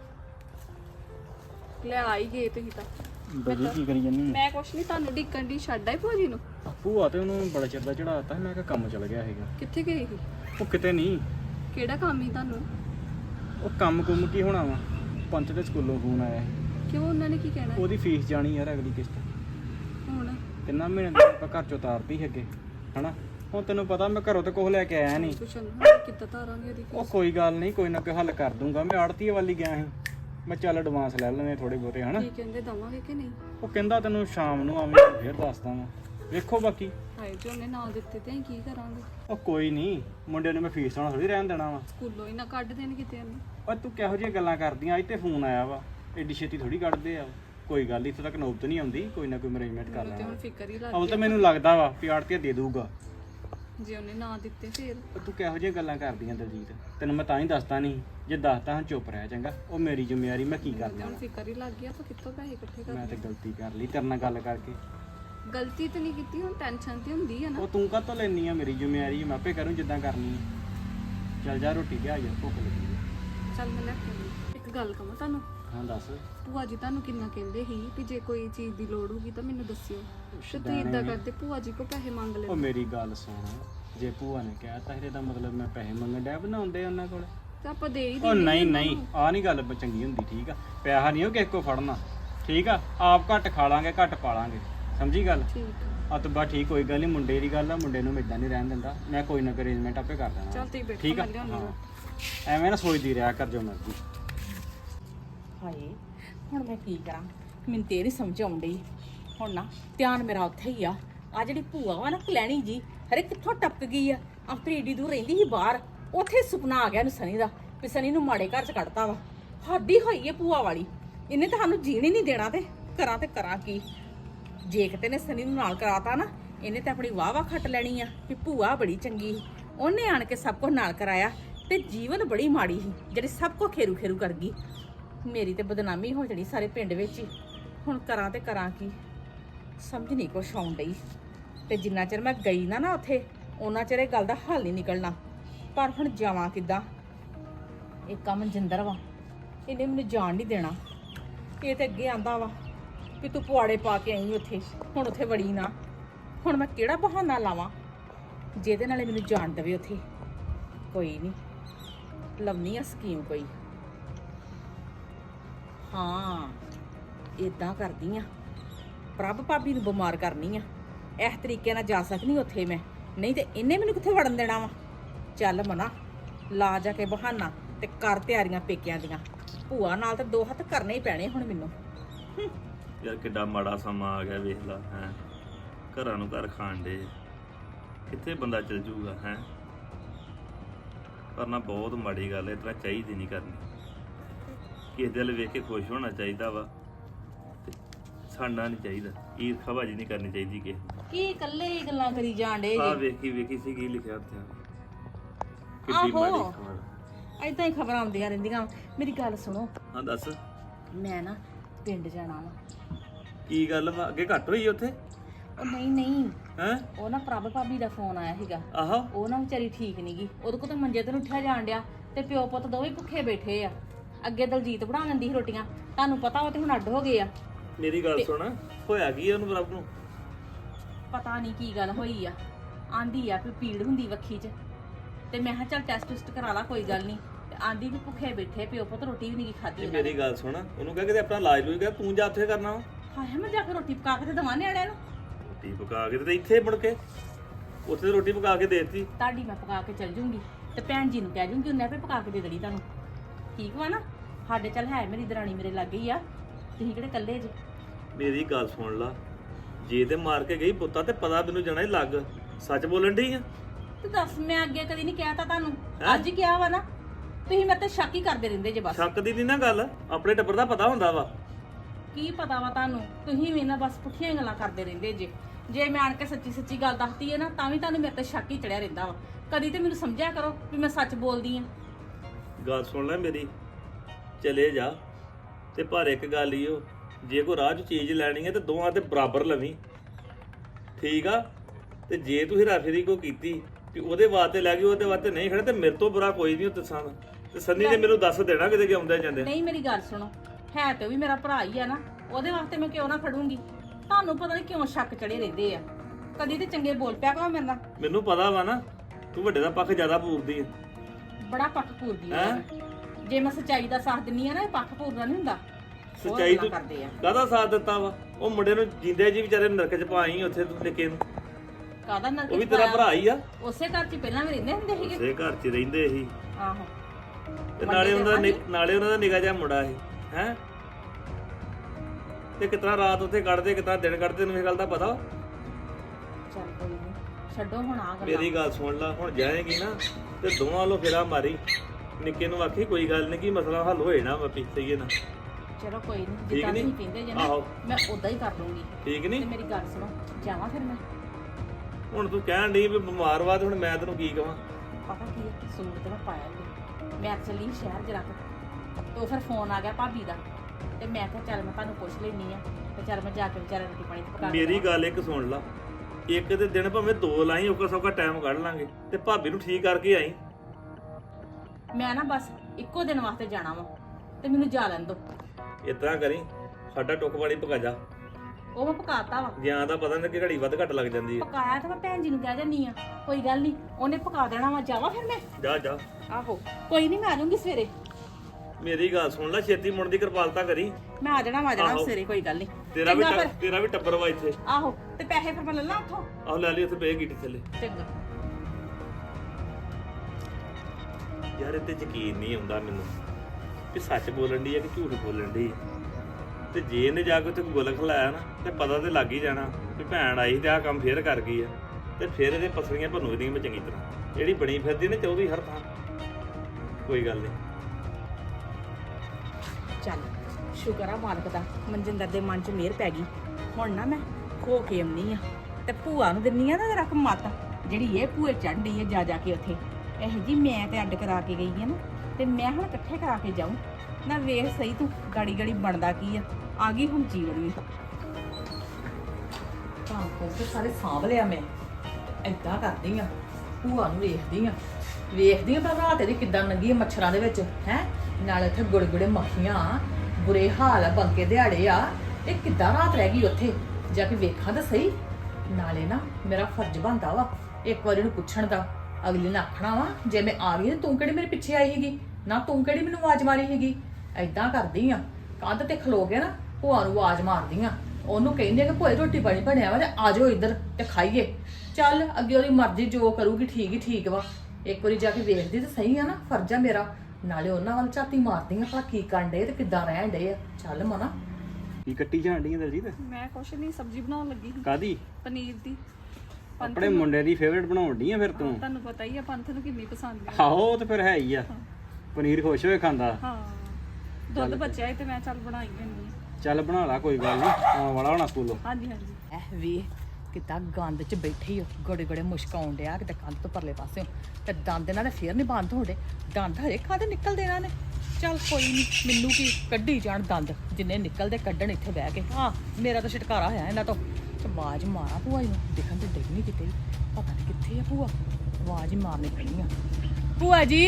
Speaker 1: ਲੈ ਆਈ ਗਏ ਤੁਸੀਂ ਤਾਂ।
Speaker 2: ਬਜੀ ਕੀ ਕਰੀ ਜਾਨੀ
Speaker 1: ਮੈਂ ਕੁਛ ਨਹੀਂ, ਤੁਹਾਨੂੰ ਡਿੱਕਣ ਦੀ ਛੱਡ ਆਈ ਭੂਆ ਜੀ ਨੂੰ।
Speaker 2: ਭੂਆ ਤੇ ਉਹਨੂੰ ਬੜਾ ਚਿਰ ਦਾ ਚੜਾਤਾ ਮੈਂ ਕਿਹਾ ਕੰਮ ਚਲ ਗਿਆ ਹੈਗਾ।
Speaker 1: ਕਿੱਥੇ ਗਈ ਸੀ?
Speaker 2: ਉਹ ਕਿਤੇ ਨਹੀਂ।
Speaker 1: ਕਿਹੜਾ ਕੰਮ ਹੀ ਤੁਹਾਨੂੰ?
Speaker 2: ਉਹ ਕੰਮ ਕੁੰਮ ਕੀ ਹੋਣਾ ਵਾ, ਪੰਚ ਦੇ ਸਕੂਲੋਂ ਫੋਨ ਆਇਆ ਸੀ।
Speaker 1: ਕਿਉਂ, ਉਹਨਾਂ ਨੇ ਕੀ ਕਹਿਣਾ?
Speaker 2: ਉਹਦੀ ਫੀਸ ਜਾਣੀ ਯਾਰ ਅਗਲੀ ਕਿਸ਼ਤ
Speaker 1: ਹੁਣ
Speaker 2: ਤਿੰਨਾਂ ਮਹੀਨੇ ਦੀ ਆਪਾਂ ਘਰ ਚੋਂ ਤਾਰਤੀ ਹੈਗੇ ਹਨਾ। ਹੁਣ ਤੈਨੂੰ ਪਤਾ ਮੈਂ ਘਰੋਂ ਤੇ ਕੁਛ ਲੈ ਕੇ ਆਇਆ ਨਹੀਂ।
Speaker 1: ਗੁਸ਼ਨ ਕਿੱਦਾਂ ਤਾਰਾਂਗੇ ਉਹਦੀ
Speaker 2: ਉਹ
Speaker 1: ਫੀਸ?
Speaker 2: ਕੋਈ ਗੱਲ ਨਹੀਂ, ਕੋਈ ਨਾ ਕੋਈ ਹੱਲ ਕਰ ਦੂੰਗਾ। ਮੈਂ ਆੜਤੀਏ ਵਾਲੀ ਗਿਆ ਸੀ, ਮੈਂ ਚੱਲ ਐਡਵਾਂਸ ਲੈ ਲੈਣੇ ਥੋੜੇ ਬਹੁਤੇ ਹਨਾ।
Speaker 1: ਕੀ ਕਹਿੰਦੇ, ਦਵਾਂਗੇ ਕਿ ਨਹੀਂ?
Speaker 2: ਉਹ ਕਹਿੰਦਾ ਤੈਨੂੰ ਸ਼ਾਮ ਨੂੰ ਆਵੇਂ ਫੇਰ ਦੱਸਦਾ ਮੈਂ, ਵੇਖੋ ਬਾਕੀ।
Speaker 1: ਹਾਏ ਜੋ ਉਹਨੇ ਨਾਲ ਦਿੱਤੇ ਤੇ ਅਸੀਂ ਕੀ ਕਰਾਂਗੇ?
Speaker 2: ਉਹ ਕੋਈ ਨਹੀਂ, ਮੁੰਡੇ ਨੂੰ ਮੈਂ ਫੀਸ ਨਾਲ ਥੋੜੀ ਰਹਿਣ ਦੇਣਾ ਵਾ।
Speaker 1: ਸਕੂਲੋਂ ਹੀ ਨਾ ਕੱਢ ਦੇਣ ਕਿਤੇ ਇਹਨੂੰ।
Speaker 2: ਓਏ ਤੂੰ ਕਿਹੋ ਜਿਹੀਆਂ ਗੱਲਾਂ ਕਰਦੀਆਂ, ਅੱਜ ਤੇ ਫੋਨ ਆਇਆ ਵਾ, ਐਡੀ ਛੇਤੀ ਥੋੜੀ ਕੱਢਦੇ ਆ। ਕੋਈ ਗੱਲ ਇੱਥੇ ਤੱਕ ਨੌਬਤ ਨਹੀਂ ਆਉਂਦੀ, ਕੋਈ ਨਾ ਕੋਈ ਅਰੇਂਜਮੈਂਟ ਕਰ
Speaker 1: ਮੈਨੂੰ ਤੇ
Speaker 2: ਲੈਣਾ।
Speaker 1: ਹੁਣ ਫਿਕਰ ਹੀ ਲੱਗ
Speaker 2: ਅਵਲ ਤਾਂ
Speaker 1: ਗਿਆ,
Speaker 2: ਮੈਨੂੰ ਲੱਗਦਾ ਵਾ ਵੀ ਆੜਤੀਆ ਦੇ ਦੂਗਾ।
Speaker 1: ਜੇ ਉਹਨੇ ਨਾ ਦਿੱਤੇ ਫੇਰ?
Speaker 2: ਉਹ ਤੂੰ ਕਿਹੋ ਜਿਹੀਆਂ ਗੱਲਾਂ ਕਰਦੀਆਂ ਦਲਜੀਤ, ਤੈਨੂੰ ਮੈਂ ਤਾਂ ਹੀ ਦੱਸਦਾ ਨਹੀਂ। ਜੇ ਦੱਸਦਾ ਹਾਂ ਚੁੱਪ ਰਹਿ ਚੰਗਾ, ਉਹ ਮੇਰੀ ਜ਼ਿੰਮੇਵਾਰੀ, ਮੈਂ ਕੀ
Speaker 1: ਮੈਨੂੰ ਤੇ
Speaker 2: ਕਰਨਾ
Speaker 1: ਹੁਣ
Speaker 2: ਵਾ।
Speaker 1: ਫਿਕਰ ਹੀ ਲੱਗ ਗਿਆ, ਆਪਾਂ ਕਿੱਥੋਂ ਪੈਸੇ ਇਕੱਠੇ
Speaker 2: ਮੈਂ ਤੇ
Speaker 1: ਕਰਨੇ?
Speaker 2: ਗਲਤੀ ਕਰ ਲਈ ਤੇਰੇ ਨਾਲ ਗੱਲ ਕਰਕੇ।
Speaker 1: ਗਲਤੀ ਤੇ ਨਹੀਂ ਕੀਤੀ, ਹੁਣ ਟੈਨਸ਼ਨ ਤੇ ਹੁੰਦੀ ਹੈ ਨਾ।
Speaker 2: ਉਹ ਤੂੰ ਕਾਹਤੋਂ ਲੈਣੀ ਆ, ਮੇਰੀ ਜ਼ਿੰਮੇਵਾਰੀ ਮੈਂ ਆਪੇ ਕਰੂੰ ਜਿੱਦਾਂ ਕਰਨੀ ਆ। ਚੱਲ ਜਾ ਰੋਟੀ ਲਿਆ ਯਾਰ, ਭੁੱਖ ਲੱਗੀ ਆ।
Speaker 1: ਚੱਲ ਮੈਂ ਲੈ ਕੇ ਆਉਂਦੀ। ਇੱਕ ਗੱਲ ਕਹਾਂ ਤੁਹਾਨੂੰ,
Speaker 2: ਹਾਂ ਦੱਸ।
Speaker 1: ਭੂਆ ਜੀ ਤੁਹਾਨੂੰ ਕਿੰਨਾ ਕਹਿੰਦੇ ਸੀ ਕਿ ਜੇ ਕੋਈ ਚੀਜ਼ ਦੀ ਲੋੜ ਹੋਊਗੀ ਤਾਂ ਮੈਨੂੰ ਦੱਸਿਓ, ਤੇ ਤੁਸੀਂ
Speaker 2: ਸ਼ੁਦੈਣੇ
Speaker 1: ਇਦਾਂ
Speaker 2: ਨੇ।
Speaker 1: ਕਰਦੇ ਭੂਆ ਜੀ ਕੋ ਪੈਸੇ ਮੰਗ
Speaker 2: ਉਹ
Speaker 1: ਲੈਂਦੇ।
Speaker 2: ਮੇਰੀ ਗੱਲ ਸੁਣ, ਜੇ ਭੂਆ ਨੇ ਕਿਹਾ ਤਾਂ ਇਹਦਾ ਮਤਲਬ ਮੈਂ ਪੈਸੇ ਮੰਗਣ ਡਿਆ ਬਣਾਉਂਦੇ ਉਹਨਾਂ ਕੋਲ।
Speaker 1: ਤੇ ਆਪਾਂ ਦੇ ਹੀ
Speaker 2: ਉਹ
Speaker 1: ਦਿੰਦੇ
Speaker 2: ਨਹੀਂ
Speaker 1: ਉਹਨਾਂ
Speaker 2: ਨਹੀਂ,
Speaker 1: ਨੂੰ।
Speaker 2: ਆਹ ਨਹੀਂ ਗੱਲ ਚੰਗੀ ਹੁੰਦੀ, ਠੀਕ ਆ। ਪੈਸਾ ਨਹੀਂ ਉਹ ਕਿਸੇ ਕੋ ਫੜਨਾ, ਠੀਕ ਆ। ਆਪ ਘੱਟ ਖਾ ਲਾਂਗੇ, ਘੱਟ ਪਾ ਲਾਂਗੇ, ਸਮਝੀ ਗੱਲ?
Speaker 1: ਠੀਕ ਆ।
Speaker 2: ਆ ਤਾਂ ਬਸ ਠੀਕ, ਕੋਈ ਗੱਲ ਨਹੀਂ। ਮੁੰਡੇ ਦੀ ਗੱਲ ਆ, ਮੁੰਡੇ ਨੂੰ ਮੈਂ ਇਦਾਂ ਨਹੀਂ ਰਹਿਣ ਦਿੰਦਾ। ਮੈਂ ਕੋਈ ਨਾ ਕੋਈ ਅਰੇਂਜਮੈਂਟ ਆਪੇ ਕਰ ਦੇਣਾ।
Speaker 1: ਚੱਲ ਤੁਸੀਂ ਬੈਠੋ,
Speaker 2: ਠੀਕ ਆ,
Speaker 1: ਮੈਂ ਲਿਆਉਂਦੀ
Speaker 2: ਹਾਂ।
Speaker 1: ਹਾਂ।
Speaker 2: ਐਵੇਂ ਨਾ ਸੋਚਦੀ ਰਿਹਾ ਕਰ ਜੋ ਮਰਜ਼ੀ।
Speaker 3: ਹਾਏ ਹੁਣ ਮੈਂ ਕੀ ਕਰਾਂ, ਮੈਨੂੰ ਤੇ ਨਹੀਂ ਸਮਝ ਆਉਂਦੀ। ਹੁਣ ਨਾ ਧਿਆਨ ਮੇਰਾ ਉੱਥੇ ਹੀ ਆ। ਆ ਜਿਹੜੀ ਭੂਆ ਵਾ ਨਾ ਕਲੈਣੀ ਜੀ, ਹਰੇ ਕਿੱਥੋਂ ਟਪਕ ਗਈ ਆ। ਆਪਣੀ ਏਡੀ ਦੂਰ ਰਹਿੰਦੀ ਸੀ ਬਾਹਰ, ਉੱਥੇ ਸੁਪਨਾ ਆ ਗਿਆ ਨੂੰ ਸਨੀ ਦਾ ਵੀ ਸਨੀ ਨੂੰ ਮਾੜੇ ਘਰ ਚ ਕੱਢਤਾ ਵਾ। ਸਾਡੀ ਹੋਈ ਏ ਭੂਆ ਵਾਲੀ, ਇਹਨੇ ਤਾਂ ਸਾਨੂੰ ਜੀਣ ਹੀ ਨਹੀਂ ਦੇਣਾ। ਤੇ ਕਰਾਂ ਤੇ ਕਰਾਂ ਕੀ? ਜੇ ਕਿਤੇ ਨੇ ਸਨੀ ਨੂੰ ਨਾਲ ਕਰਾਤਾ ਨਾ, ਇਹਨੇ ਤਾਂ ਆਪਣੀ ਵਾਹ ਵਾਹ ਖੱਟ ਲੈਣੀ ਆ ਵੀ ਭੂਆ ਬੜੀ ਚੰਗੀ ਸੀ, ਉਹਨੇ ਆਣ ਕੇ ਸਭ ਕੁਝ ਨਾਲ ਕਰਾਇਆ, ਤੇ ਜੀਵਨ ਬੜੀ ਮਾੜੀ ਸੀ ਜਿਹੜੀ ਸਭ ਕੁਝ ਖੇਰੂ ਖੇਰੂ ਕਰ ਗਈ। ਮੇਰੀ ਤੇ ਬਦਨਾਮੀ ਹੋ ਜਣੀ ਸਾਰੇ ਪਿੰਡ ਵਿੱਚ ਹੀ। ਹੁਣ ਕਰਾਂ ਤੇ ਕਰਾਂ ਕੀ, ਸਮਝ ਨਹੀਂ ਕੁਛ ਆਉਣ ਡਈ। ਤੇ ਜਿੰਨਾ ਚਿਰ ਮੈਂ ਗਈ ਨਾ ਨਾ ਉੱਥੇ, ਉਹਨਾਂ ਚਿਰ ਇਹ ਗੱਲ ਦਾ ਹੱਲ ਨਹੀਂ ਨਿਕਲਣਾ। ਪਰ ਹੁਣ ਜਾਵਾਂ ਕਿੱਦਾਂ? ਇਹ ਕੰਮ ਜਿੰਦਰ ਵਾ, ਇਹਨੇ ਮੈਨੂੰ ਜਾਣ ਨਹੀਂ ਦੇਣਾ। ਇਹ ਤੇ ਅੱਗੇ ਆਂਦਾ ਵਾ ਵੀ ਤੂੰ ਪੁਆੜੇ ਪਾ ਕੇ ਆਈ ਉੱਥੇ, ਹੁਣ ਉੱਥੇ ਵੜੀ ਨਾ। ਹੁਣ ਮੈਂ ਕਿਹੜਾ ਬਹਾਨਾ ਲਾਵਾਂ ਜਿਹਦੇ ਨਾਲ ਇਹ ਮੈਨੂੰ ਜਾਣ ਦੇਵੇ ਉੱਥੇ? ਕੋਈ ਨਹੀਂ, ਲਵਨੀ ਆ ਸਕੀਮ ਕੋਈ। ਹਾਂ ਇਦਾਂ ਕਰਦੀ ਆ, ਪ੍ਰਭ ਭਾਬੀ ਨੂੰ ਬਿਮਾਰ ਕਰਨੀ ਆ। ਇਸ ਤਰੀਕੇ ਨਾਲ ਜਾ ਸਕਦੀ ਉੱਥੇ ਮੈਂ, ਨਹੀਂ ਤੇ ਇਹਨੇ ਮੈਨੂੰ ਕਿੱਥੇ ਵੜਨ ਦੇਣਾ ਵਾ। ਚੱਲ ਮਨਾ, ਲਾ ਜਾ ਕੇ ਬਹਾਨਾ ਤੇ ਕਰ ਤਿਆਰੀਆਂ ਪੇਕਿਆਂ ਦੀਆਂ। ਭੂਆ ਨਾਲ ਤਾਂ ਦੋ ਹੱਥ ਕਰਨੇ ਹੀ ਪੈਣੇ ਹੁਣ ਮੈਨੂੰ।
Speaker 4: ਯਾਰ ਕਿੱਡਾ ਮਾੜਾ ਸਮਾਂ ਆ ਗਿਆ, ਵੇਖ ਲਾ ਹੈ। ਘਰਾਂ ਨੂੰ ਘਰ ਖਾਣ ਦੇ, ਕਿੱਥੇ ਬੰਦਾ ਚਲ ਜੂਗਾ ਹੈ। ਕਰਨਾ ਬਹੁਤ ਮਾੜੀ ਗੱਲ ਹੈ, ਇਸ ਤਰ੍ਹਾਂ ਚਾਹੀਦੀ ਨਹੀਂ ਕਰਨੀ। ਕਿਸੇ ਦਿਲ ਵੇਖ ਕੇ ਖੁਸ਼ ਹੋਣਾ ਚਾਹੀਦਾ ਵਾ, ਤੇ ਸਾਡਾ ਨਹੀਂ ਚਾਹੀਦਾ। ਈਰਖਾਬਾਜ਼ੀ ਨਹੀਂ ਕਰਨੀ ਚਾਹੀਦੀ ਕਿ
Speaker 3: ਕੀ ਇਕੱਲੇ ਹੀ ਗੱਲਾਂ ਕਰੀ ਜਾਣ ਡੇ
Speaker 4: ਆ
Speaker 3: ਜੀ?
Speaker 4: ਵੇਖੀ ਵੇਖੀ ਸੀ ਕੀ ਲਿਖਿਆ ਉੱਥੇ, ਕਿੱਡੀ
Speaker 3: ਆਹੋ।
Speaker 4: ਮਾੜੀ ਖਬਰ।
Speaker 3: ਏਦਾਂ ਹੀ ਖਬਰਾਂ ਆਉਂਦੀਆਂ ਰਹਿੰਦੀਆਂ। ਮੇਰੀ ਗੱਲ ਸੁਣੋ,
Speaker 4: ਹਾਂ ਦੱਸ
Speaker 3: ਮੈਂ ਨਾ ਪਿੰਡ ਜਾਣਾ ਵਾ।
Speaker 4: ਕੀ ਗੱਲ ਵਾ, ਅੱਗੇ ਘੱਟ ਹੋਈ ਉੱਥੇ
Speaker 3: ਉਹ ਨਹੀਂ ਨਹੀਂ,
Speaker 4: ਹੈ?
Speaker 3: ਉਹ ਨਾ ਪ੍ਰਭ ਭਾਬੀ ਦਾ ਫੋਨ ਆਇਆ ਸੀਗਾ।
Speaker 4: ਆਹੋ
Speaker 3: ਉਹ ਨਾ ਵਿਚਾਰੀ ਠੀਕ ਨੀ ਗੀ, ਉਹਦੇ ਕੋਲ ਤਾਂ ਮੰਜੇ ਤੇ ਨੀ ਉੱਠਿਆ ਜਾਣ ਡਿਆ, ਤੇ ਪਿਓ ਪੁੱਤ ਦੋਵੇਂ ਭੁੱਖੇ ਬੈਠੇ ਆ। ਅੱਗੇ ਦਲਜੀਤ ਬਣਾ ਲੈਂਦੀ ਸੀ ਰੋਟੀਆਂ, ਤੁਹਾਨੂੰ ਪਤਾ ਉਹ ਤੇ ਹੁਣ ਅੱਡ ਹੋ ਗਏ ਆ।
Speaker 4: ਮੇਰੀ ਗੱਲ ਸੁਣ, ਹੋਇਆ ਕੀ ਆ ਉਹਨੂੰ ਰੱਬ ਨੂੰ?
Speaker 3: ਪਤਾ ਨਹੀਂ ਕੀ ਗੱਲ ਹੋਈ ਆ, ਆਂਦੀ ਆ ਵੀ ਪੀੜ ਹੁੰਦੀ ਵੱਖੀ 'ਚ। ਤੇ ਮੈਂ ਕਿਹਾ ਚੱਲ ਟੈਸਟ ਟੁਸਟ ਕਰਾ ਲਾ, ਕੋਈ ਗੱਲ ਨਹੀਂ। ਤੇ ਆਂਦੀ ਵੀ ਭੁੱਖੇ ਬੈਠੇ ਪਿਓ ਪੁੱਤ, ਰੋਟੀ ਵੀ ਨਹੀਂ ਖਾਧੀ ਉਹਨਾਂ
Speaker 4: ਮੇਰੀ ਗੱਲ ਸੁਣ, ਉਹਨੂੰ ਕਹਿ ਕੇ ਆਪਣਾ ਇਲਾਜ ਲੂਈ ਗਿਆ, ਤੂੰ ਜਾ ਉੱਥੇ ਕਰਨਾ ਵਾ।
Speaker 3: ਹਾਏ ਮੈਂ ਜਾ ਕੇ ਰੋਟੀ ਪਕਾ ਕੇ ਤੇ ਦਵਾਂ ਨਿਆਣਿਆਂ ਨੂੰ।
Speaker 4: ਰੋਟੀ ਪਕਾ ਕੇ ਤੇ ਇੱਥੇ ਮੁੜ ਕੇ ਉੱਥੇ ਤੇ ਰੋਟੀ ਪਕਾ ਕੇ ਦੇਤੀ।
Speaker 3: ਤੁਹਾਡੀ ਮੈਂ ਪਕਾ ਕੇ ਚੱਲ ਜੂੰਗੀ, ਤੇ ਭੈਣ ਜੀ ਨੂੰ ਕਹਿ ਜੂੰਗੀ ਉਹਨੇ ਆਪੇ ਪਕਾ ਕੇ ਦੇ ਦੇਣੀ ਤੁਹਾਨੂੰ। ਠੀਕ ਵਾ ਨਾ? ਸਾਡੇ ਚੱਲ ਹੈ ਮੇਰੀ ਦਰਾਣੀ ਮੇਰੇ ਲਾਗੇ ਹੀ ਆ, ਤੁਸੀਂ ਕਿਹੜੇ ਇਕੱਲੇ ਜੇ?
Speaker 4: ਮੇਰੀ ਗੱਲ ਸੁਣ ਲਾ, ਜੇ ਤੇ ਮਾਰ ਕੇ ਗਈ ਪੁੱਤਾ ਤੇ ਪਤਾ ਮੈਨੂੰ ਜਾਣਾ ਹੀ ਲੱਗ। ਸੱਚ ਬੋਲਣ ਡਈ ਆ?
Speaker 3: ਤੇ ਦੱਸ, ਮੈਂ ਅੱਗੇ ਕਦੀ ਨਹੀਂ ਕਿਹਾ ਤਾਂ ਤੁਹਾਨੂੰ,
Speaker 4: ਹੈਂ?
Speaker 3: ਅੱਜ ਕਿਹਾ ਵਾ ਨਾ। ਤੁਸੀਂ ਮੇਰੇ ਤੇ ਸ਼ੱਕ ਹੀ ਕਰਦੇ ਰਹਿੰਦੇ ਜੇ ਬਸ।
Speaker 4: ਸ਼ੱਕ ਦੀ ਨਹੀਂ ਨਾ ਗੱਲ, ਆਪਣੇ ਟੱਬਰ ਦਾ ਪਤਾ ਹੁੰਦਾ ਵਾ।
Speaker 3: ਕੀ ਪਤਾ ਵਾ ਤੁਹਾਨੂੰ? ਤੁਸੀਂ ਵੀ ਨਾ ਬਸ ਪੁੱਠੀਆਂ ਗੱਲਾਂ ਕਰਦੇ ਰਹਿੰਦੇ ਜੇ। ਜੇ ਮੈਂ ਆਣ ਕੇ ਸੱਚੀ ਸੱਚੀ ਗੱਲ ਦੱਸਦੀ ਹੈ ਨਾ, ਤਾਂ ਵੀ ਤੁਹਾਨੂੰ ਮੇਰੇ ਤੇ ਸ਼ੱਕ ਹੀ ਚੜਿਆ ਰਹਿੰਦਾ ਵਾ। ਕਦੀ ਤੇ ਮੈਨੂੰ ਸਮਝਿਆ ਕਰੋ ਵੀ ਮੈਂ ਸੱਚ ਬੋਲਦੀ ਆ।
Speaker 4: ਗੱਲ ਸੁਣ ਲੈ ਮੇਰੀ, ਚਲੇ ਜਾ ਤੇ ਪਰ ਇੱਕ ਗੱਲ ਈ ਓ, ਜੇ ਕੋਈ ਰਾਹ 'ਚ ਚੀਜ਼ ਲੈਣੀ ਹੈ ਤੇ ਦੋਵਾਂ ਤੇ ਬਰਾਬਰ ਲਵੀਂ, ਠੀਕ ਆ? ਤੇ ਜੇ ਤੂੰ ਹੀਰਾ ਫੇਰੀ ਕੋ ਕੀਤੀ ਕਿ ਉਹਦੇ ਵਾਸਤੇ ਲੈ ਗਈ ਉਹਦੇ ਵਾਸਤੇ ਨਹੀਂ ਖੜੇ ਤੇ ਮੇਰੇ ਤੋਂ ਬੁਰਾ ਕੋਈ ਨਹੀਂ ਉੱਤੇ ਸਾਂ ਤੇ ਸੰਨੀ ਨੇ ਮੈਨੂੰ ਦੱਸ ਦੇਣਾ ਕਿਤੇ ਕਿ ਆਉਂਦੇ ਜਾਂਦੇ
Speaker 3: ਨਹੀਂ ਮੇਰੀ ਗੱਲ ਸੁਣੋ, ਹੈ ਤੇ ਉਹ ਵੀ ਮੇਰਾ ਭਰਾ ਹੀ ਆ ਨਾ, ਉਹਦੇ ਵਾਸਤੇ ਮੈਂ ਕਿਉਂ ਨਾ ਖੜੂੰਗੀ। ਤੁਹਾਨੂੰ ਪਤਾ ਨਹੀਂ ਕਿਉਂ ਸ਼ੱਕ ਚੜੇ ਰਹਿੰਦੇ ਆ, ਕਦੀ ਤੇ ਚੰਗੇ ਬੋਲ ਪਿਆ ਕਰੋ ਮੇਰੇ ਨਾਲ।
Speaker 4: ਮੈਨੂੰ ਪਤਾ ਵਾ ਨਾ ਤੂੰ ਵੱਡੇ ਦਾ ਪੱਖ ਜ਼ਿਆਦਾ ਪੂਰਦੀ ਹੈ।
Speaker 3: ਬੜਾ ਪੱਕ ਪੂਰਦੀ ਆ। ਜੇ ਮੈਂ ਸੱਚਾਈ ਦਾ ਸਾਥ ਦਿੰਨੀ ਆ ਨਾ, ਇਹ ਪੱਕ ਪੂਰਨਾ ਨਹੀਂ ਹੁੰਦਾ। ਹੋਰ
Speaker 4: ਸੱਚਾਈ
Speaker 3: ਗੱਲਾਂ
Speaker 4: ਤੂੰ
Speaker 3: ਕਰਦੇ ਆ।
Speaker 4: ਕਾਹਦਾ ਸਾਥ ਦਿੱਤਾ ਵਾ? ਉਹ ਮੁੰਡੇ ਨੂੰ ਜਿੰਦੇ ਜੀ ਵਿਚਾਰੇ ਨੂੰ ਨਰਕ ਚ ਪਾਈ ਉੱਥੇ ਤੂੰ ਨਿੱਕੇ ਨੂੰ।
Speaker 3: ਕਾਹਦਾ ਨਰਕ
Speaker 4: ਉਹ ਵੀ
Speaker 3: ਚ
Speaker 4: ਤੇਰਾ
Speaker 3: ਪਾਇਆ?
Speaker 4: ਭਰਾ ਹੀ ਆ।
Speaker 3: ਉਸੇ ਘਰ 'ਚ ਪਹਿਲਾਂ ਵੀ ਰਹਿੰਦੇ ਹੁੰਦੇ ਸੀਗੇ।
Speaker 4: ਉਸੇ ਘਰ 'ਚ ਰਹਿੰਦੇ ਸੀ
Speaker 3: ਆਹੋ।
Speaker 4: ਤੇ ਨਾਲੇ ਉਹਨਾਂ ਦਾ ਨਿ- ਨਾਲੇ ਉਹਨਾਂ ਦਾ ਨਿੱਕਾ ਜਿਹਾ ਮੁੰਡਾ ਸੀ ਹੈ। ਤੇ ਕਿਤਨਾ ਰਾਤ ਉੱਥੇ ਕੱਢਦੇ ਕਿਤਨਾ ਦਿਨ ਕੱਢਦੇ ਤੈਨੂੰ ਇਹ ਗੱਲ ਦਾ ਪਤਾ?
Speaker 3: ਚੱਲ ਕੋਈ ਨਹੀਂ, ਛੱਡੋ ਹੁਣ ਆ ਗੱਲਾਂ।
Speaker 4: ਮੇਰੀ ਗੱਲ ਸੁਣ ਲੈ, ਹੁਣ ਜਾਏਗੀ ਨਾ ਤੇ ਦੋਵਾਂ ਵੱਲੋਂ ਫੇਰਾ ਮਾਰੀ। ਨਿੱਕੇ ਨੂੰ ਆਖੀ ਕੋਈ ਗੱਲ ਨਹੀਂ ਕਿ ਮਸਲਾ ਹੱਲ ਹੋ ਜਾਣਾ ਵਾ ਸਹੀਏ ਨਾ।
Speaker 3: ਚਲੋ ਕੋਈ ਨਹੀਂ,
Speaker 4: ਠੀਕ
Speaker 3: ਜਿੱਦਾਂ
Speaker 4: ਨੀ?
Speaker 3: ਤੁਸੀਂ ਕਹਿੰਦੇ ਜੇ ਨਾ
Speaker 4: ਆਹੋ।
Speaker 3: ਮੈਂ ਉਦਾਂ ਹੀ ਕਰ ਲੂੰਗੀ।
Speaker 4: ਠੀਕ
Speaker 3: ਤੇ
Speaker 4: ਨਹੀਂ?
Speaker 3: ਮੇਰੀ ਗੱਲ ਸੁਣੋ, ਜਾਵਾਂ ਫਿਰ ਮੈਂ?
Speaker 4: ਹੁਣ ਤੂੰ ਕਹਿਣ ਡਈ ਵੀ ਬਿਮਾਰ ਵਾ ਤੇ ਹੁਣ ਮੈਂ ਤੈਨੂੰ ਕੀ ਕਵਾਂ?
Speaker 3: ਪਤਾ ਕੀ ਹੈ, ਸੂਟ ਤੇ ਮੈਂ ਪਾਇਆ ਹੀ। ਮੈਂ ਚੱਲੀ ਸ਼ਹਿਰ ਜਰਾ ਕੁ, ਤੇ ਉਹ ਫਿਰ ਫੋਨ ਆ ਗਿਆ ਭਾਬੀ ਦਾ, ਤੇ ਮੈਂ ਕਿਹਾ ਚੱਲ ਮੈਂ ਤੁਹਾਨੂੰ ਪੁੱਛ ਲੈਣੀ ਆ, ਤੇ ਚੱਲ ਮੈਂ ਜਾ ਕੇ ਵਿਚਾਰਾ ਰੋਟੀ ਪਾਣੀ ਤੇ ਪਕਾ ਕੇ
Speaker 4: ਮੇਰੀ
Speaker 3: ਦੇਵਾਂ।
Speaker 4: ਗੱਲ ਇੱਕ ਸੁਣ ਲਾ, ਇੱਕ ਦੇ ਦਿਨ ਭਾਵੇਂ ਦੋ ਲਾਈ ਔਕਾ ਸੌਕਾ ਟਾਈਮ ਕੱਢ ਲਾਂਗੇ ਤੇ ਭਾਬੀ ਨੂੰ ਠੀਕ ਕਰਕੇ ਆਈ।
Speaker 3: ਮੈਂ ਨਾ ਬਸ ਇੱਕੋ ਦਿਨ ਵਾਸਤੇ ਜਾਣਾ ਵਾ, ਤੇ ਮੈਨੂੰ ਜਾ ਲੈਣ ਦੋ।
Speaker 4: ਇਤਨਾ ਕਰੀ ਸਾਡਾ ਟੁੱਕ ਪਾਣੀ ਪਕਾ ਜਾ।
Speaker 3: ਉਹ ਮੈਂ ਪਕਾਤਾ ਵਾ।
Speaker 4: ਗਿਆਨ ਦਾ ਪਤਾ ਨਹੀਂ ਕਿ ਘੜੀ ਵੱਧ ਘੱਟ ਲੱਗ ਜਾਂਦੀ ਹੈ।
Speaker 3: ਪਕਾਇਆ ਤਾਂ ਮੈਂ ਭੈਣ ਜੀ ਨੂੰ ਕਹਿ ਜਾਨੀ ਆ, ਕੋਈ ਗੱਲ ਨਹੀਂ, ਉਹਨੇ ਪਕਾ ਦੇਣਾ ਵਾ। ਜਾਵਾਂ ਫਿਰ ਮੈਂ?
Speaker 4: ਜਾ ਜਾ।
Speaker 3: ਆਹੋ ਕੋਈ ਨਹੀਂ, ਮੈਂ ਆ ਜਾਊਂਗੀ ਸਵੇਰੇ।
Speaker 4: ਮੇਰੀ ਗੱਲ ਸੁਣ ਲੈ, ਛੇਤੀ ਮੁੜਨ ਦੀ ਕਿਰਪਾਲਤਾ ਕਰੀ।
Speaker 3: ਮੈਂ ਆ ਜਾਣਾ, ਆ ਜਾਣਾ
Speaker 4: ਆਹੋ।
Speaker 3: ਸਵੇਰੇ, ਕੋਈ ਗੱਲ ਨਹੀਂ।
Speaker 4: ਤੇਰਾ ਵੀ
Speaker 3: ਚੰਗਾ
Speaker 4: ਟੱਬ-
Speaker 3: ਫਿਰ।
Speaker 4: ਤੇਰਾ ਵੀ ਟੱਬਰ ਵਾ ਇੱਥੇ।
Speaker 3: ਆਹੋ, ਤੇ ਪੈਸੇ ਫਿਰ ਮੈਂ ਲੈ ਲਾਂ ਉੱਥੋਂ।
Speaker 4: ਆਹ ਲੈ ਲਈ ਉੱਥੇ ਬੇ ਗੀਟੀ ਥੱਲੇ।
Speaker 3: ਚੰਗਾ।
Speaker 4: ਯਾਰ ਇਹ ਤੇ ਯਕੀਨ ਨਹੀਂ ਆਉਂਦਾ ਮੈਨੂੰ ਕਿ ਸੱਚ ਬੋਲਣ ਦੀ ਹੈ ਕਿ ਝੂਠ ਬੋਲਣ ਦੀ। ਤੇ ਜੇ ਇਹਨੇ ਜਾ ਕੇ ਉੱਥੇ ਕੋਈ ਗੁਲਖ ਲਾਇਆ ਨਾ ਤੇ ਪਤਾ ਤੇ ਲੱਗ ਹੀ ਜਾਣਾ ਕਿ ਭੈਣ ਆਈ ਤੇ ਆਹ ਕੰਮ ਫੇਰ ਕਰ ਗਈ ਆ। ਤੇ ਫਿਰ ਇਹਦੇ ਪਸਲੀਆਂ ਭੰਨੂ ਦੀਆਂ ਮੈਂ ਚੰਗੀ ਤਰ੍ਹਾਂ, ਜਿਹੜੀ ਬਣੀ ਫਿਰਦੀ ਨੇ ਚੌਧਰੀ ਹਰ ਥਾਂ। ਕੋਈ ਗੱਲ ਨਹੀਂ।
Speaker 3: ਚੱਲ ਸ਼ੁਕਰ ਆ ਮਾਲਕ ਦਾ, ਮਨਜਿੰਦਰ ਦੇ ਮਨ 'ਚ ਮਿਹਰ ਪੈ ਗਈ। ਹੁਣ ਨਾ ਮੈਂ ਖੋ ਕੇ ਆਉਣੀ ਆ, ਤੇ ਭੂਆ ਨੂੰ ਦਿੰਨੀ ਆ ਨਾ ਜਰਾ ਮੱਤ, ਜਿਹੜੀ ਇਹ ਭੂਏ ਚੜ੍ਹਦੀ ਹੈ ਜਾ ਜਾ ਕੇ ਉੱਥੇ। ਇਹ ਜੀ ਮੈਂ ਤੇ ਅੱਡ ਕਰਾ ਕੇ ਗਈ ਆ ਨਾ, ਤੇ ਮੈਂ ਹੁਣ ਇਕੱਠੇ ਕਰਾ ਕੇ ਜਾਊਂ ਨਾ। ਵੇਖ ਸਹੀ ਤੂੰ ਗਾੜੀ ਗਾੜੀ ਬਣਦਾ ਕੀ ਆ। ਆ ਗਈ ਹੁਣ ਜੀਵਨ ਵੀ ਤਾਂ ਕੋਲ ਸਾਰੇ ਸਾਂਭ ਲਿਆ ਮੈਂ। ਏਦਾਂ ਕਰਦੀ ਆ, ਭੂਆ ਨੂੰ ਵੇਖਦੀ ਆ ਵੇਖਦੀ ਆ ਪਰ ਰਾਤ ਇਹਦੀ ਕਿੱਦਾਂ ਲੰਗੀ ਆ ਮੱਛਰਾਂ ਦੇ ਵਿੱਚ ਹੈ। ਨਾਲ ਇੱਥੇ ਗੁੜੇ ਗੁੜੇ ਮੱਖੀਆਂ, ਬੁਰੇ ਹਾਲ ਆ, ਬੰਕੇ ਦਿਹਾੜੇ ਆ। ਇਹ ਕਿੱਦਾਂ ਰਾਤ ਰਹਿ ਗਈ ਉੱਥੇ? ਜਾ ਕੇ ਵੇਖਾਂ ਤਾਂ ਸਹੀ। ਨਾਲੇ ਨਾ ਮੇਰਾ ਫਰਜ਼ ਬਣਦਾ ਵਾ ਇੱਕ ਵਾਰੀ ਨੂੰ ਪੁੱਛਣ ਦਾ। ਅਗਲੀ ਨੇ ਆਖਣਾ ਵਾ ਜੇ ਮੈਂ ਆ ਗਈ ਤੂੰ ਕਿਹੜੀ ਮੇਰੇ ਪਿੱਛੇ ਆਈ ਸੀਗੀ, ਨਾ ਤੂੰ ਕਿਹੜੀ ਮੈਨੂੰ ਆਵਾਜ਼ ਮਾਰੀ ਸੀਗੀ। ਏਦਾਂ ਕਰਦੀ ਆ, ਕੰਧ ਤੇ ਖਲੋ ਕੇ ਨਾ ਭੂਆ ਨੂੰ ਆਵਾਜ਼ ਮਾਰਦੀ ਆ। ਉਹਨੂੰ ਕਹਿੰਦੇ ਕਿ ਭੂਆ ਰੋਟੀ ਪਾਣੀ ਬਣਿਆ ਵਾ ਤੇ ਆ ਜਾਓ ਇੱਧਰ ਤੇ ਖਾਈਏ। ਚੱਲ ਅੱਗੇ ਉਹਦੀ ਮਰਜ਼ੀ ਜੋ ਕਰੂਗੀ, ਠੀਕ ਹੀ ਠੀਕ ਵਾ। ਇੱਕ ਵਾਰੀ ਜਾ ਕੇ ਵੇਖਦੀ ਤੇ ਸਹੀ ਆ ਨਾ, ਫਰਜ਼ ਆ ਮੇਰਾ। ਨਾਲੇ ਉਹਨਾਂ ਵੱਲ ਝਾਤੀ ਮਾਰਦੀ ਆ, ਭਲਾ ਕੀ ਕਰਨ ਡੇ ਤੇ ਕਿੱਦਾਂ ਰਹਿਣ ਡੇ ਆ। ਚੱਲ ਮਨਾ
Speaker 2: ਕੀ ਕੱਟੀ ਜਾਣ ਡਈ ਆ ਦਲਜੀਤ?
Speaker 1: ਮੈਂ ਕੁਛ ਨਹੀਂ, ਸਬਜ਼ੀ ਬਣਾਉਣ ਲੱਗੀ ਸੀ
Speaker 2: ਕਾਦੀ?
Speaker 1: ਪਨੀਰ ਦੀ। ਪੰਥ
Speaker 2: ਆਪਣੇ
Speaker 1: ਨੂੰ-
Speaker 2: ਮੁੰਡੇ ਦੀ ਫੇਵਰੇਟ ਬਣਾਉਣ ਡਈ ਆ ਫਿਰ ਤੂੰ?
Speaker 1: ਤੁਹਾਨੂੰ ਪਤਾ ਹੀ ਆ ਪੰਥ ਨੂੰ ਕਿੰਨੀ ਪਸੰਦ ਹੈ।
Speaker 2: ਆਹੋ ਉਹ ਤੇ ਫਿਰ ਹੈ ਹੀ ਆ, ਪਨੀਰ ਖੁਸ਼ ਹੋਏ ਖਾਂਦਾ।
Speaker 1: ਹਾਂ, ਦੁੱਧ ਬਚਿਆ ਸੀ ਤੇ ਮੈਂ ਚੱਲ ਬਣਾਈ ਲੈਂਦੀ ਹਾਂ।
Speaker 2: ਚੱਲ ਬਣਾ ਲਾ, ਕੋਈ ਗੱਲ ਨਹੀਂ, ਆਉਣ ਵਾਲਾ ਹੋਣਾ ਸਕੂਲੋਂ।
Speaker 1: ਹਾਂਜੀ ਹਾਂਜੀ।
Speaker 3: ਐ ਵੇ ਕਿਤਾ ਗੰਦ 'ਚ ਬੈਠੀ ਹੋ, ਗੋੜੇ ਗੋੜੇ ਮੁਸ਼ਕਾਉਣ ਡਿਆ ਕਿਤੇ ਕੰਧ ਤੋਂ ਪਰਲੇ ਪਾਸਿਓਂ, ਤੇ ਦੰਦ ਇਹਨਾਂ ਦੇ ਫੇਰ ਨਹੀਂ ਬੰਦ ਹੋਣਦੇ। ਦੰਦ ਹਰੇ ਕਾਹਦੇ ਨਿਕਲਦੇ ਇਹਨਾਂ ਨੇ। ਚੱਲ ਕੋਈ ਨਹੀਂ, ਮੈਨੂੰ ਕੀ, ਕੱਢੀ ਜਾਣ ਦੰਦ, ਜਿੰਨੇ ਨਿਕਲਦੇ ਕੱਢਣ ਇੱਥੇ ਬਹਿ ਕੇ। ਹਾਂ ਮੇਰਾ ਤਾਂ ਛੁਟਕਾਰਾ ਹੋਇਆ ਇਹਨਾਂ ਤੋਂ। ਤੇ ਆਵਾਜ਼ ਮਾਰਾਂ ਭੂਆ ਜੀ ਨੂੰ, ਦੇਖਣ ਤੇ ਡਿੱਗ ਨਹੀਂ ਕਿਤੇ, ਪਤਾ ਨਹੀਂ ਕਿੱਥੇ ਆ ਭੂਆ। ਆਵਾਜ਼ ਹੀ ਮਾਰਨੀ ਪੈਣੀ ਆ। ਭੂਆ ਜੀ,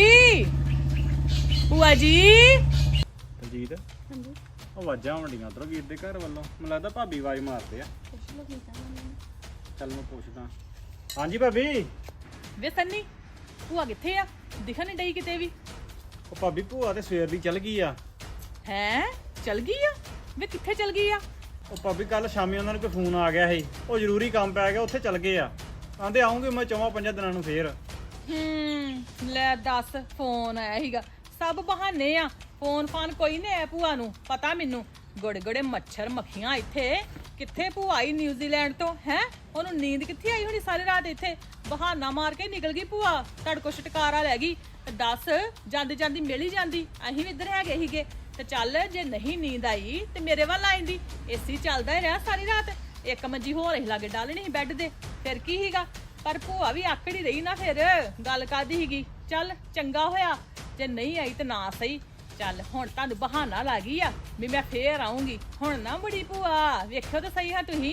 Speaker 3: ਭੂਆ ਜੀ।
Speaker 2: ਦਲਜੀਤ
Speaker 1: ਹਾਂਜੀ,
Speaker 2: ਉਹ ਆਵਾਜ਼ਾਂ ਆਉਂਦੀਆਂ ਉਧਰੋਂ ਵੀਰ ਦੇ ਘਰ ਵੱਲੋਂ। ਮੈਨੂੰ ਲੱਗਦਾ ਭਾਬੀ ਆਵਾਜ਼ ਮਾਰਦੇ ਆ।
Speaker 1: ਪੁੱਛ ਲਓ ਕੀ ਕਹਿੰਦੇ ਨੇ।
Speaker 2: ਚੱਲ ਮੈਂ ਪੁੱਛਦਾ। ਹਾਂਜੀ ਭਾਬੀ।
Speaker 3: ਵੇ ਸੰਨੀ, ਭੂਆ ਕਿੱਥੇ ਆ? ਦਿਖਣ ਨਹੀਂ ਡਈ ਕਿਤੇ ਵੀ।
Speaker 2: ਉਹ ਭਾਬੀ ਭੂਆ ਤੇ ਸਵੇਰ ਦੀ ਚੱਲ ਗਈ ਆ।
Speaker 3: ਹੈਂ, ਚਲ ਗਈ ਆ? ਵੇ ਕਿੱਥੇ ਚਲ ਗਈ ਆ?
Speaker 2: ਉਹ ਭਾਬੀ ਕੱਲ ਸ਼ਾਮੀ ਉਹਨਾਂ ਨੂੰ ਕੋਈ ਫੋਨ ਆ ਗਿਆ ਸੀ, ਉਹ ਜ਼ਰੂਰੀ ਕੰਮ ਪੈ ਗਿਆ, ਉੱਥੇ ਚੱਲ ਗਏ ਆ। ਆਂਦੇ ਆਉਂਗੇ ਮੈਂ ਚੌਵਾਂ ਪੰਜਾਂ ਦਿਨਾਂ ਨੂੰ ਫੇਰ।
Speaker 3: ਹੂੰ ਲੈ ਦੱਸ, ਫੋਨ ਆਇਆ ਸੀਗਾ। ਸਭ ਬਹਾਨੇ ਆ, ਫੋਨ ਫਾਨ ਕੋਈ ਨਹੀਂ ਆਇਆ ਭੂਆ ਨੂੰ। ਪਤਾ ਮੈਨੂੰ ਗੋੜੇ ਗੋੜੇ ਮੱਛਰ ਮੱਖੀਆਂ ਇੱਥੇ। ਕਿੱਥੇ ਭੂਆ ਆਈ ਨਿਊਜ਼ੀਲੈਂਡ ਤੋਂ ਹੈ? ਉਹਨੂੰ ਨੀਂਦ ਕਿੱਥੇ ਆਈ ਹੋਣੀ ਸਾਰੀ ਰਾਤ ਇੱਥੇ। ਬਹਾਨਾ ਮਾਰ ਕੇ ਨਿਕਲ ਗਈ ਭੂਆ, ਤੁਹਾਡੇ ਕੋਲ ਛਟਕਾਰਾ ਲੈ ਗਈ। ਤੇ ਦੱਸ, ਜਾਂਦੀ ਜਾਂਦੀ ਮਿਲ ਹੀ ਜਾਂਦੀ। ਅਸੀਂ ਵੀ ਇੱਧਰ ਹੈਗੇ ਸੀਗੇ। ਤੇ ਚੱਲ ਜੇ ਨਹੀਂ ਨੀਂਦ ਆਈ ਤੇ ਮੇਰੇ ਵੱਲ ਆ ਜਾਂਦੀ। ਏਸੀ ਚੱਲਦਾ ਹੀ ਰਿਹਾ ਸਾਰੀ ਰਾਤ। ਇੱਕ ਮੰਜੀ ਹੋਰ ਅਸੀਂ ਲਾਗੇ ਡਾਲਣੀ ਸੀ ਬੈੱਡ ਦੇ, ਫਿਰ ਕੀ ਸੀਗਾ। ਪਰ ਭੂਆ ਵੀ ਆਕੜੀ ਰਹੀ ਨਾ, ਫਿਰ ਗੱਲ ਕਾਦੀ ਸੀਗੀ। ਚੱਲ ਚੰਗਾ ਹੋਇਆ ਜੇ ਨਹੀਂ ਆਈ ਤੇ ਨਾ ਸਹੀ। ਚੱਲ ਹੁਣ ਤੁਹਾਨੂੰ ਬਹਾਨਾ ਲੱਗ ਗਈ ਆ ਵੀ ਮੈਂ ਫੇਰ ਆਉਂਗੀ। ਹੁਣ ਨਾ ਬੜੀ ਭੂਆ, ਵੇਖਿਓ ਤਾਂ ਸਹੀ ਹਾਂ ਤੁਸੀਂ,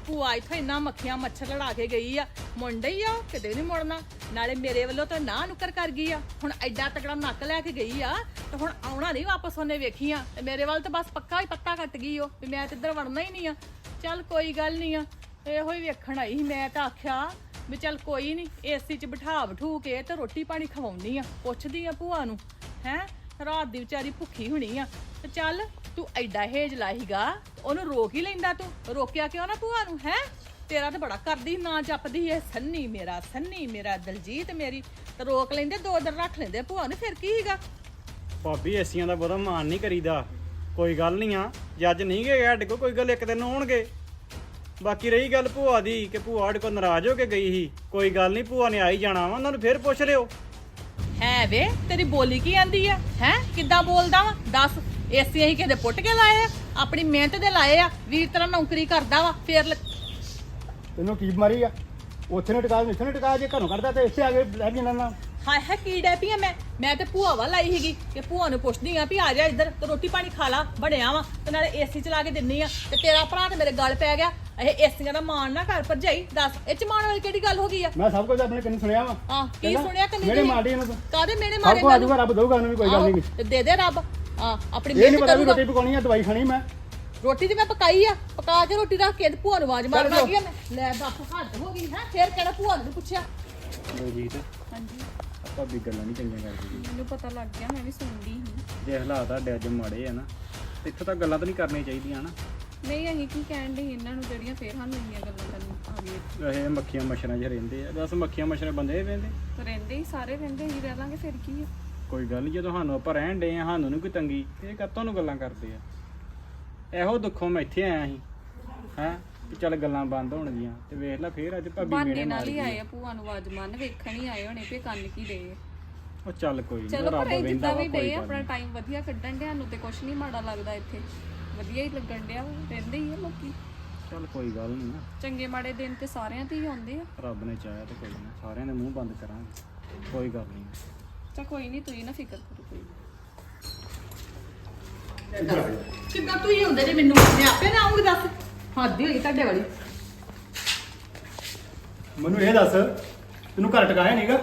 Speaker 3: ਭੂਆ ਇੱਥੇ ਇੰਨਾ ਮੱਖੀਆਂ ਮੱਛਰ ਲੜਾ ਕੇ ਗਈ ਆ ਮੁੰਡੇ ਹੀ ਆ ਉਹ, ਕਿਤੇ ਨਹੀਂ ਮੁੜਨਾ। ਨਾਲੇ ਮੇਰੇ ਵੱਲੋਂ ਤਾਂ ਨਾ ਨੁੱਕਰ ਕਰ ਗਈ ਆ, ਹੁਣ ਐਡਾ ਤਕੜਾ ਨੱਕ ਲੈ ਕੇ ਗਈ ਆ ਤੇ ਹੁਣ ਆਉਣਾ ਨਹੀਂ ਵਾਪਸ ਉਹਨੇ ਵੇਖੀਆਂ ਤੇ ਮੇਰੇ ਵੱਲ ਤਾਂ ਬਸ ਪੱਕਾ ਹੀ ਪੱਤਾ ਕੱਟ ਗਈ ਉਹ ਵੀ ਮੈਂ ਤੇ ਇੱਧਰ ਵੜਨਾ ਹੀ ਨਹੀਂ ਆ। ਚੱਲ ਕੋਈ ਗੱਲ ਨਹੀਂ ਆ, ਇਹੋ ਹੀ ਵੇਖਣ ਆਈ ਸੀ। ਮੈਂ ਤਾਂ ਆਖਿਆ ਵੀ ਚੱਲ ਕੋਈ ਨਹੀਂ ਏਸੀ 'ਚ ਬਿਠਾ ਬਿਠੂ ਕੇ ਤੇ ਰੋਟੀ ਪਾਣੀ ਖਵਾਉਣੀ ਆ, ਪੁੱਛਦੀ ਆ ਭੂਆ ਨੂੰ ਹੈ ਰਾਤ ਦੀ ਵਿਚਾਰੀ ਭੁੱਖੀ ਹੋਣੀ ਆ। ਤੇ ਚੱਲ ਤੂੰ ਐਡਾ ਹੇਜ ਲਾਹੀਗਾ ਉਹਨੂੰ ਰੋਕ ਹੀ ਲੈਂਦਾ, ਤੂੰ ਰੋਕਿਆ ਕਿਉਂ ਨਾ ਭੂਆ ਨੂੰ ਹੈ? ਤੇਰਾ ਤਾਂ ਬੜਾ ਕਰਦੀ ਨਾ ਜਪਦੀ ਐ ਸੰਨੀ ਮੇਰਾ ਸੰਨੀ ਮੇਰਾ ਦਲਜੀਤ ਮੇਰੀ, ਤੇ ਰੋਕ ਲੈਂਦੇ ਦੋ ਦਿਨ ਰੱਖ ਲੈਂਦੇ ਭੂਆ ਨੂੰ, ਫਿਰ ਕੀ ਹੈਗਾ?
Speaker 2: ਭਾਬੀ ਏਸੀਆਂ ਦਾ ਬਹੁਤਾ ਮਾਨ ਨਹੀਂ ਕਰੀਦਾ, ਕੋਈ ਗੱਲ ਨਹੀਂ ਆ। ਜੇ ਅੱਜ ਨਹੀਂ ਗਏ ਸਾਡੇ ਕੋਲ ਕੋਈ ਗੱਲ ਇੱਕ ਦਿਨ ਆਉਣਗੇ। ਬਾਕੀ ਰਹੀ ਗੱਲ ਭੂਆ ਦੀ ਕਿ ਭੂਆ ਸਾਡੇ ਕੋਲ ਨਾਰਾਜ਼ ਹੋ ਕੇ ਗਈ ਸੀ, ਕੋਈ ਗੱਲ ਨਹੀਂ ਭੂਆ ਨੇ ਆ ਹੀ ਜਾਣਾ ਵਾ, ਉਹਨਾਂ ਨੂੰ ਫਿਰ ਪੁੱਛ ਲਿਓ।
Speaker 3: ਹੈ ਵੇ ਤੇਰੀ ਬੋਲੀ ਕੀ ਆਂਦੀ ਆ ਹੈ? ਕਿੱਦਾਂ ਬੋਲਦਾ ਵਾ ਦੱਸ? ਏਸੀ ਅਸੀਂ ਕਿਤੇ ਪੁੱਟ ਕੇ ਲਾਏ ਆ, ਆਪਣੀ ਮਿਹਨਤ ਦੇ ਲਾਏ ਆ। ਵੀਰ ਤਰ੍ਹਾਂ ਨੌਕਰੀ ਕਰਦਾ ਵਾ ਫੇਰ ਲ-
Speaker 5: ਤੈਨੂੰ ਕੀ ਬਿਮਾਰੀ ਆ? ਉੱਥੇ ਨੇ ਟਿਕਾ ਇੱਥੇ ਨੇ ਟਿਕਾ, ਜੇ ਘਰੋਂ ਕੱਢਦਾ ਤੇ ਇੱਥੇ ਆ ਕੇ ਲੈ ਜਾਣਾ ਨਾ।
Speaker 3: ਹਾਏ ਹਾਏ ਕੀ ਡੈ ਪਈ ਆ ਮੈਂ ਮੈਂ ਤੇ ਭੂਆ ਵੱਲ ਆਈ ਸੀਗੀ ਕਿ ਭੂਆ ਨੂੰ ਪੁੱਛਦੀ ਆ ਵੀ ਆ ਜਾ ਇੱਧਰ ਤੇ ਰੋਟੀ ਪਾਣੀ ਖਾ ਲਾ, ਬਣਿਆ ਵਾ ਤੇ ਨਾਲੇ ਏਸੀ ਚਲਾ ਕੇ ਦਿੰਨੀ ਆ। ਤੇ ਤੇਰਾ ਭਰਾ ਤੇ ਮੇਰੇ ਗਲ ਪੈ ਗਿਆ। ਇਹ ਏਸੀਆਂ ਦਾ ਮਾਣ ਨਾ ਕਰ ਭਰਜਾਈ, ਦੱਸ ਇਹ ਚ ਮਾਣ ਵਾਲੀ ਕਿਹੜੀ ਗੱਲ ਹੋ ਗਈ ਆ?
Speaker 5: ਮੈਂ ਸਭ ਕੁਝ ਆਪਣੇ ਕੰਨ ਸੁਣਿਆ ਵਾ।
Speaker 3: ਆ ਕੀ ਸੁਣਿਆ ਕਿ
Speaker 5: ਮੇਰੇ ਮਾੜੇ ਇਹਨੂੰ
Speaker 3: ਕਾਦੇ ਮੇਰੇ
Speaker 5: ਸਭ
Speaker 3: ਮਾਰੇ
Speaker 5: ਕੁਝ ਆਜੂਗਾ, ਰੱਬ ਦਊਗਾ ਉਹਨੂੰ ਵੀ, ਕੋਈ ਗੱਲ ਨਹੀਂ।
Speaker 3: ਤੇ ਦੇ ਦੇ ਰੱਬ। ਆ ਆਪਣੀ
Speaker 5: ਇਹ ਨਹੀਂ
Speaker 3: ਮਿਹਨਤ
Speaker 5: ਪਤਾ ਵੀ
Speaker 3: ਕਰੂਗਾ।
Speaker 5: ਰੋਟੀ ਪਕਾਉਣੀ ਆ ਦਵਾਈ ਖਾਣੀ ਮੈਂ।
Speaker 3: ਰੋਟੀ ਤੇ ਮੈਂ ਪਕਾਈ ਆ, ਪਕਾ ਕੇ ਰੋਟੀ ਰੱਖ ਕੇ ਤੇ ਭੂਆ ਨੂੰ ਆਵਾਜ਼ ਮਾਰਨ ਲੱਗੀ ਆ ਮੈਂ। ਲੈ ਦੱਸ ਹੱਦ ਹੋ ਗਈ ਹੈ, ਫੇਰ ਕਿਹੜਾ ਭੂਆ ਨੂੰ ਪੁੱਛਿਆ?
Speaker 2: ਬਲਜੀਤ
Speaker 1: ਹਾਂਜੀ
Speaker 2: ਭਾਬੀ ਗੱਲਾਂ ਨਹੀਂ ਚੰਗੀਆਂ ਕਰਦੀ।
Speaker 1: ਮੈਨੂੰ ਪਤਾ ਲੱਗ ਗਿਆ, ਮੈਂ ਵੀ ਸੁਣਦੀ ਸੀ।
Speaker 2: ਜੇ ਹਾਲਾਤ ਤੁਹਾਡੇ ਅੱਜ ਮਾੜੇ ਆ ਨਾ ਤੇ ਇੱਥੋਂ ਤੱਕ ਗੱਲਾਂ ਤਾਂ ਨਹੀਂ ਕਰਨੀਆਂ ਚਾਹੀਦੀਆਂ ਨਾ।
Speaker 1: ਨਹੀਂ ਅਸੀਂ ਕੀ ਕਹਿਣ ਦੇ ਇਹਨਾਂ ਨੂੰ ਜਿਹੜੀਆਂ ਫੇਰ ਸਾਨੂੰ ਇੰਨੀਆਂ ਗੱਲਾਂ ਕਰਨ ਆ ਗਏ।
Speaker 2: ਇਹ ਮੱਖੀਆਂ ਮੱਛਰਾਂ 'ਚ ਰਹਿੰਦੇ ਆ, ਦੱਸ ਮੱਖੀਆਂ ਮੱਛਰਾਂ ਬੰਦੇ ਰਹਿੰਦੇ?
Speaker 1: ਤੇ ਰਹਿੰਦੇ ਹੀ ਸਾਰੇ ਰਹਿੰਦੇ ਹੀ ਰਹਿ ਲਾਂਗੇ, ਫਿਰ ਕੀ ਆ?
Speaker 2: ਕੋਈ ਗੱਲ ਨਹੀਂ, ਜਦੋਂ ਸਾਨੂੰ ਆਪਾਂ ਰਹਿਣ ਡੇ ਆ ਸਾਨੂੰ ਨਹੀਂ ਕੋਈ ਤੰਗੀ, ਇਹ ਕਾਹਤੋਂ ਨੂੰ ਗੱਲਾਂ ਕਰਦੇ ਆ? ਇਹੋ ਦੁੱਖੋਂ ਮੈਂ ਇੱਥੇ ਆਇਆ ਸੀ ਹੈਂ ਵੀ ਚੱਲ ਗੱਲਾਂ ਬੰਦ ਹੋਣਗੀਆਂ ਤੇ ਵੇਖ ਲੈ ਫੇਰ ਅੱਜ ਭਾਬੀ
Speaker 1: ਬਾਨੇ
Speaker 2: ਮੇਰੇ
Speaker 1: ਨਾਲ
Speaker 2: ਨਾਲ
Speaker 1: ਹੀ ਆਏ ਆ, ਭੂਆ ਨੂੰ ਆਵਾਜ਼ ਮਾਰਨ ਵੇਖਣ ਹੀ ਆਏ ਹੋਣੇ ਵੀ ਕੰਨ ਕੀ ਦੇ।
Speaker 2: ਉਹ ਚੱਲ ਕੋਈ ਨਹੀਂ,
Speaker 1: ਚਲੋ
Speaker 2: ਰੱਬ
Speaker 1: ਪਰ ਇਹ
Speaker 2: ਵੇਂਦਾ
Speaker 1: ਜਿੱਦਾਂ
Speaker 2: ਵਾ,
Speaker 1: ਵੀ
Speaker 2: ਕੋਈ
Speaker 1: ਡੇ
Speaker 2: ਗੱਲ
Speaker 1: ਆਪਣਾ
Speaker 2: ਨੀ।
Speaker 1: ਟਾਈਮ ਵਧੀਆ ਕੱਢਣ ਡਿਆ ਨੂੰ ਤੇ ਕੁਛ ਨਹੀਂ ਮਾੜਾ ਲੱਗਦਾ ਇੱਥੇ, ਵਧੀਆ ਹੀ ਲੱਗਣ ਡਿਆ ਵਾ, ਰਹਿੰਦੇ ਹੀ ਆ ਲੋਕੀ।
Speaker 2: ਚੱਲ ਕੋਈ ਗੱਲ ਨਹੀਂ ਨਾ,
Speaker 1: ਚੰਗੇ ਮਾੜੇ ਦਿਨ ਤੇ ਸਾਰਿਆਂ ਤੇ ਹੀ ਆਉਂਦੇ ਆ।
Speaker 2: ਰੱਬ ਨੇ ਚਾਹਿਆ ਤੇ ਕੋਈ ਨਾ, ਸਾਰਿਆਂ ਦੇ ਮੂੰਹ ਬੰਦ ਕਰਾਂਗੇ, ਕੋਈ ਗੱਲ ਨਹੀਂ।
Speaker 1: ਚਾ ਕੋਈ ਨਹੀਂ, ਤੁਸੀਂ ਨਾ ਫਿਕਰ ਕਰੋ ਕੋਈ ਨੀ।
Speaker 3: ਕਿੱਦਾਂ ਤੂੰ ਹੀ ਹੁੰਦੇ ਨੇ ਮੈਨੂੰ, ਮੈਂ ਆਪੇ ਨਾ ਆਉਂਗੀ ਦੱਸ? ਹੱਦ ਹੋਈ ਤੁਹਾਡੇ ਵਾਲੀ।
Speaker 5: ਮੈਨੂੰ ਇਹ ਦੱਸ ਤੈਨੂੰ ਘਰ ਟਿਕਾਇਆ ਨਹੀਂਗਾ?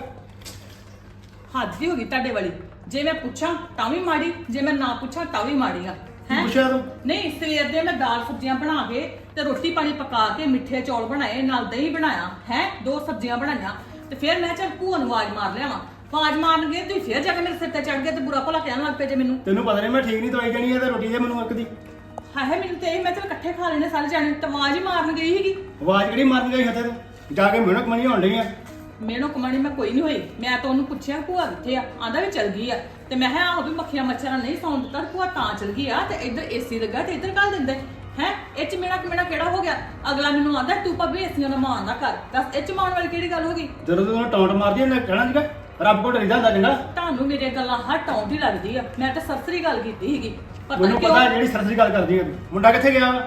Speaker 3: ਹੱਦ ਹੀ ਹੋ ਗਈ ਤੁਹਾਡੇ ਵਾਲੀ। ਜੇ ਮੈਂ ਪੁੱਛਾਂ ਤਾਂ ਵੀ ਮਾੜੀ, ਜੇ ਮੈਂ ਨਾ ਪੁੱਛਾਂ ਤਾਂ ਵੀ ਮਾੜੀ ਆ।
Speaker 5: ਕੀ ਪੁੱਛਿਆ ਤੂੰ?
Speaker 3: ਨਹੀਂ ਸਵੇਰ ਦੇ ਮੈਂ ਦਾਲ ਸਬਜ਼ੀਆਂ ਬਣਾ ਕੇ ਤੇ ਰੋਟੀ ਪਾਣੀ ਪਕਾ ਕੇ ਮਿੱਠੇ ਚੌਲ ਬਣਾਏ, ਨਾਲ ਦਹੀਂ ਬਣਾਇਆ ਹੈ, ਦੋ ਸਬਜ਼ੀਆਂ ਬਣਾਈਆਂ ਤੇ ਫਿਰ ਮੈਂ ਚੱਲ ਭੂਆ ਨੂੰ ਆਵਾਜ਼ ਮਾਰ ਲਿਆਵਾਂ। ਆਵਾਜ਼ ਮਾਰਨ ਗਏ ਤੁਸੀਂ ਫਿਰ ਜਾ ਕੇ ਮੇਰੇ ਸਿਰ ਤੇ ਚੜ ਗਏ ਤੇ ਬੁਰਾ ਭਲਾ ਕਹਿਣ ਲੱਗ ਪਏ ਜੇ ਮੈਨੂੰ।
Speaker 5: ਤੈਨੂੰ ਪਤਾ ਨਹੀਂ ਮੈਂ ਠੀਕ ਨਹੀਂ ਦਵਾਈ ਦੇਣੀ ਹੈ ਤੇ ਰੋਟੀ ਦੇ ਮੈਨੂੰ ਇੱਕ ਦੀ।
Speaker 3: ਹਾਏ ਹਾਏ ਮੈਨੂੰ ਤੇ ਇਹ ਮੈਂ ਚੱਲ ਇਕੱਠੇ ਖਾ ਲੈਣੇ ਸਾਰੇ ਜਾਣੇ, ਤੇ ਆਵਾਜ਼ ਹੀ ਮਾਰਨ ਗਈ ਸੀਗੀ।
Speaker 5: ਆਵਾਜ਼ ਕਿਹੜੀ ਮਾਰਨ ਗਈ ਹੱਥੇ ਤੂੰ? ਜਾ ਕੇ ਮਿਹਨਤ ਮਣੀ ਹੋਣ ਡਈ ਆ।
Speaker 3: ਮੈਨੂੰ ਕਮਾਣੀ ਮੈਂ ਕੋਈ ਨਹੀਂ ਹੋਈ। ਮੈਂ ਤਾਂ ਉਹਨੂੰ ਪੁੱਛਿਆ ਭੂਆ ਕਿੱਥੇ ਆ, ਆਂਦਾ ਵੀ ਚਲ ਗਈ ਆ। ਤੇ ਮੈਂ ਕਿਹਾ ਆਹੋ ਵੀ ਮੱਖੀਆਂ ਮੱਛਰਾਂ ਨਹੀਂ ਸੌਣ ਦਿੱਤਾ, ਭੂਆ ਤਾਂ ਚਲ ਗਈ ਆ ਤੇ ਇੱਧਰ ਏਸੀ ਲੱਗਾ ਤੇ ਇੱਧਰ ਕੱਲ ਦਿੰਦੇ ਹੈ। ਇਹ ਚ ਮੇਰਾ ਮੇਰਾ ਕਿਹੜਾ ਹੋ ਗਿਆ? ਅਗਲਾ ਮੈਨੂੰ ਆਂਦਾ ਤੂੰ ਭਾਬੀ ਏਸੀਆਂ ਦਾ ਮਾਣ ਨਾ ਕਰ। ਦੱਸ ਇਹ ਚ ਮਾਣ ਵਾਲੀ ਕਿਹੜੀ ਗੱਲ ਹੋ ਗਈ?
Speaker 5: ਜਦੋਂ ਤੂੰ ਟੌਂਟ ਮਾਰਦੀ ਉਹਨੇ ਕਹਿਣਾ ਸੀਗਾ ਰੱਬ ਕੋਲ ਡਰੀਦਾ ਹੁੰਦਾ ਚੰਗਾ।
Speaker 3: ਤੁਹਾਨੂੰ ਮੇਰੀਆਂ ਗੱਲਾਂ ਹਰ ਟੌਂਟ ਹੀ ਲੱਗਦੀ ਆ। ਮੈਂ ਤਾਂ ਸਰਸਰੀ ਗੱਲ ਕੀਤੀ ਸੀਗੀ, ਪਤਾ
Speaker 5: ਮੈਨੂੰ
Speaker 3: ਨਹੀਂ
Speaker 5: ਪਤਾ
Speaker 3: ਕਿਉਂ।
Speaker 5: ਜਿਹੜੀ ਸਰਸਰੀ ਗੱਲ ਕਰਦੀ ਆ ਤੂੰ। ਮੁੰਡਾ ਕਿੱਥੇ ਗਿਆ ਵਾ?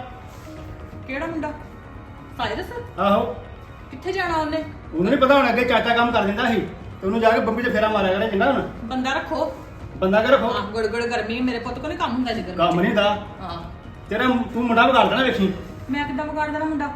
Speaker 3: ਕਿਹੜਾ ਮੁੰਡਾ? ਸਾਇਰਸ?
Speaker 5: ਆਹੋ
Speaker 3: ਕਿੱਥੇ ਜਾਣਾ ਉਹਨੇ?
Speaker 5: ਉਹਨੂੰ ਨਹੀਂ ਪਤਾ ਹੁਣ ਅੱਗੇ ਚਾਚਾ ਕੰਮ ਕਰ ਦਿੰਦਾ ਸੀ ਤੇ ਉਹਨੂੰ ਜਾ ਕੇ ਬੰਬੀ ਤੇ ਫੇਰਾ ਮਾਰਿਆ ਕਰੇ ਚੰਗਾ। ਹੁਣ
Speaker 3: ਬੰਦਾ ਰੱਖੋ।
Speaker 5: ਬੰਦਾ ਕੇ ਰੱਖੋ।
Speaker 3: ਹਾਂ ਗੁੜ-ਗੁੜ ਗਰਮੀ, ਮੇਰੇ ਪੁੱਤ ਕੋਲ ਨੀ ਕੰਮ ਹੁੰਦਾ ਜੀ ਗਰਮੀ
Speaker 5: ਕੰਮ
Speaker 3: ਚ।
Speaker 5: ਨਹੀਂ ਦਾ
Speaker 3: ਹਾਂ
Speaker 5: ਤੇਰਾ ਤੂੰ ਮੁੰਡਾ ਵਿਗਾੜ ਦੇਣਾ ਵੇਖੀ।
Speaker 3: ਮੈਂ ਕਿੱਦਾਂ ਵਿਗਾੜ ਦੇਣਾ ਮੁੰਡਾ?